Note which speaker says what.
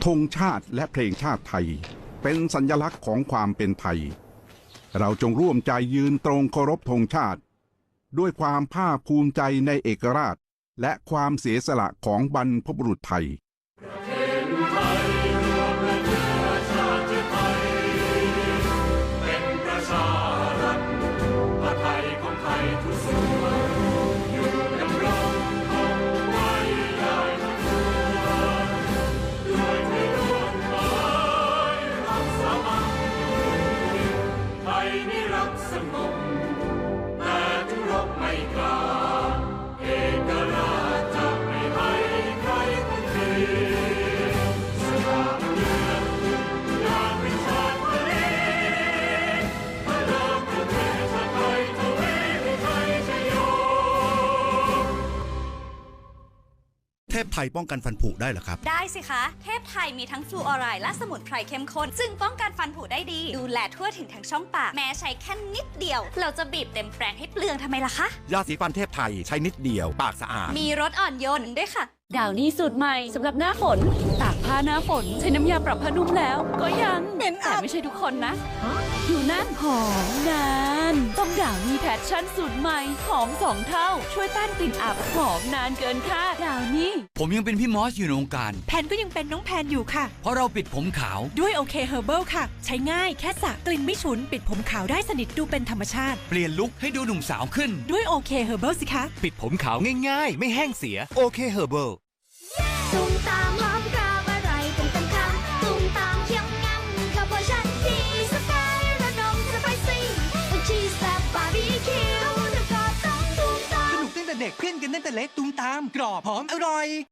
Speaker 1: ธงชาติและเพลงชาติไทยเป็นสัญลักษณ์ของความเป็นไทยเราจงร่วมใจยืนตรงเคารพธงชาติด้วยความภาคภูมิใจในเอกราชและความเสียสละของบรรพบุรุษไทย
Speaker 2: เทพไทยป้องกันฟันผุได้เหรอครับ
Speaker 3: ได้สิคะเทพไทยมีทั้งฟลูออไรด์และสมุนไพรเข้มข้นซึ่งป้องกันฟันผุได้ดีดูแลทั่วถึงทั้งช่องปากแม้ใช้แค่นิดเดียวเราจะบีบเต็มแปรงให้เปลืองทำไมล่ะคะ
Speaker 2: ยาสีฟันเทพไทยใช้นิดเดียวปากสะอาด
Speaker 3: มีรสอ่อนโยนด้วยค่ะ
Speaker 4: ดาวนี่สูตรใหม่สำหรับหน้าฝนตากผ้าหน้าฝนใช้น้ำยาปรับผ้านุ่มแล้วก็ยังเป็นแต่ไม่ใช่ทุกคนนะอยู่นั่นหอมนานต้องดาวนี่แพชชั่นสูตรใหม่หอม2 เท่าช่วยต้านกลิ่นอับหอมนานเกินคาดดาวนี่
Speaker 5: ผมยังเป็นพี่มอสอยู่ในวงการ
Speaker 6: แพนก็ยังเป็นน้องแพนอยู่ค่ะ
Speaker 5: เพราะเราปิดผมขาว
Speaker 6: ด้วยโอเคเฮอร์เบิลค่ะใช้ง่ายแค่สระกลิ่นไม่ฉุนปิดผมขาวได้สนิทดูเป็นธรรมชาติ
Speaker 5: เปลี่ยนลุคให้ดูหนุ่มสาวขึ้น
Speaker 6: ด้วยโอเคเฮอร์เบิลสิคะ
Speaker 5: ปิดผมขาวง่ายๆไม่แห้งเสียโอเคเฮอร์เบิล
Speaker 7: ตุ้มตามหอมกราบอะไรตุ้มตามคำตุ้มตามเคียงงันกับเวอร์ชันที่สกายระดมสไปซี่ชีสแซ่บบาร์บีคิวแล้วก็ต้องตุ้มตาม
Speaker 8: สนุกตั้งแต่เด็กเพื่อนกันตั้งแต่เล็กตุ้มตามกรอบหอมอร่อย